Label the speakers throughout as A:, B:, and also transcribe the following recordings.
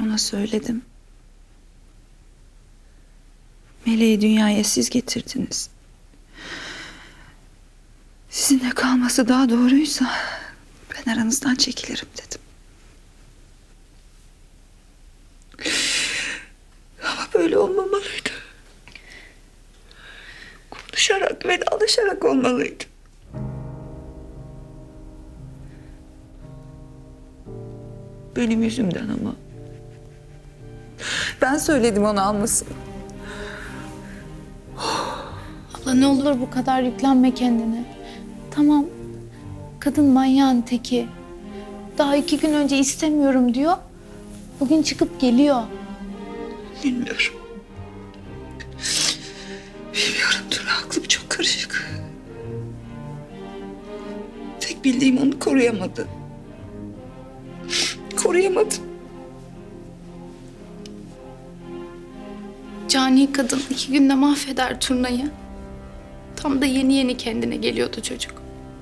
A: Ona söyledim. Meleği dünyaya siz getirdiniz. Sizinle kalması daha doğruysa ben aranızdan çekilirim dedim. Ama böyle olmamalıydı. Konuşarak ve alışarak olmalıydı. Benim yüzümden ama. Ben söyledim onu almasın.
B: Abla ne olur bu kadar yüklenme kendine. Tamam, kadın manyağın teki. Daha 2 gün önce istemiyorum diyor. Bugün çıkıp geliyor.
A: Bilmiyorum. Bilmiyorum Tuna, aklım çok karışık. Tek bildiğim onu koruyamadı. Koruyamadım.
B: Cani kadın 2 günde mahveder turnayı. Tam da yeni yeni kendine geliyordu çocuk.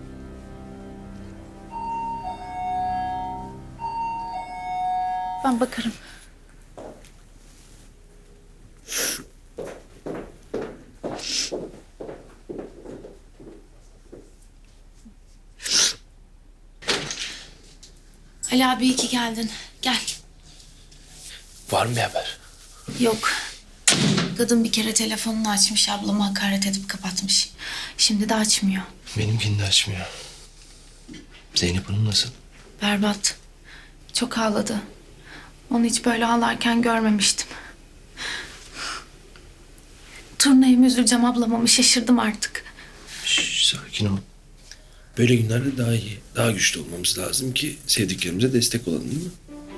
B: Ben bakarım. Ali abi iyi ki geldin. Gel.
C: Var mı bir haber?
B: Yok. Kadın bir kere telefonunu açmış, ablama hakaret edip kapatmış. Şimdi de açmıyor.
C: Benimkini de açmıyor. Zeynep Hanım nasıl?
B: Berbat. Çok ağladı. Onu hiç böyle ağlarken görmemiştim. Turnaya mı üzüleceğim ablama mı şaşırdım artık.
C: Şş, sakin ol. Böyle günlerde daha iyi, daha güçlü olmamız lazım ki sevdiklerimize destek olalım, değil mi?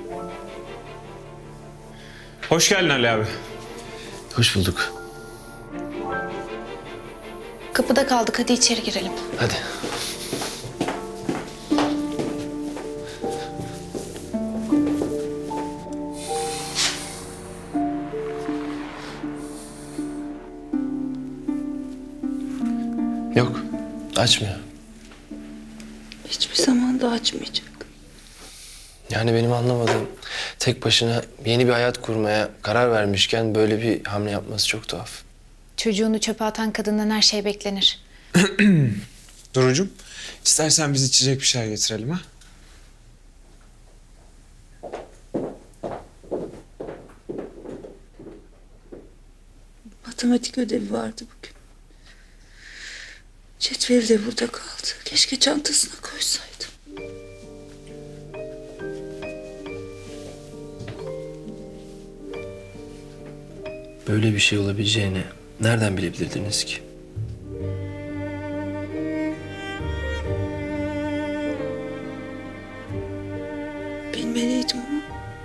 D: Hoş geldin Ali abi.
C: Hoş bulduk.
B: Kapıda kaldık, hadi içeri girelim.
C: Hadi. Yok, açmıyor.
A: Hiçbir zaman da açmayacak.
C: Yani benim anlamadığım, tek başına yeni bir hayat kurmaya karar vermişken böyle bir hamle yapması çok tuhaf.
B: Çocuğunu çöpe atan kadından her şey beklenir.
D: Durucum, istersen biz içecek bir şeyler getirelim ha?
A: Matematik ödevi vardı bugün. Cetveli de burada kaldı. Keşke çantasına koysaydım.
C: Böyle bir şey olabileceğini nereden bilebilirdiniz ki?
A: Bilmeliydim ama.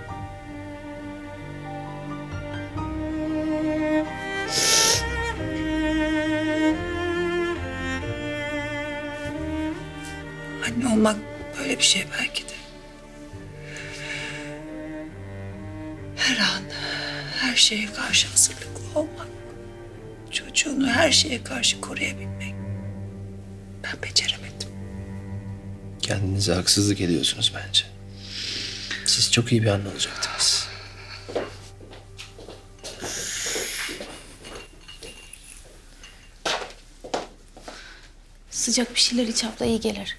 A: Anne olmak böyle bir şey belki de. Her an, her şeye karşı hazırlıklı olmak. Çocuğunu her şeye karşı koruyabilmek. Ben beceremedim.
C: Kendinize haksızlık ediyorsunuz bence. Siz çok iyi bir anne olacaktınız.
B: Sıcak bir şeyler iç abla, iyi gelir.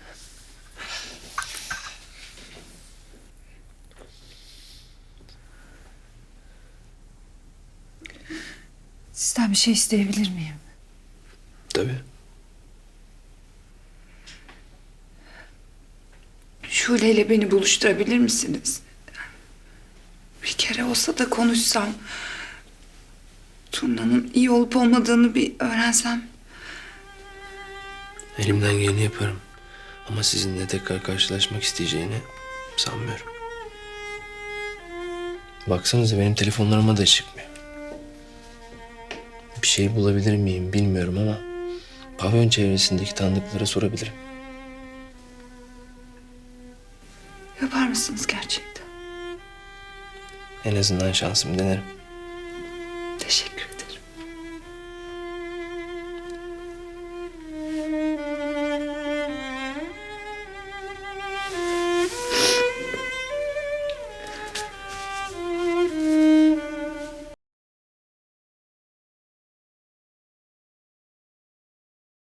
A: Sizden bir şey isteyebilir miyim?
C: Tabii.
A: Şule ile beni buluşturabilir misiniz? Bir kere olsa da konuşsam. Turna'nın iyi olup olmadığını bir öğrensem.
C: Elimden geleni yaparım. Ama sizinle tekrar karşılaşmak isteyeceğini sanmıyorum. Baksanıza benim telefonlarıma da çıkmıyor. Bir şey bulabilir miyim bilmiyorum ama pavyon çevresindeki tanıdıklara sorabilirim.
A: Yapar mısınız gerçekten?
C: En azından şansımı denerim.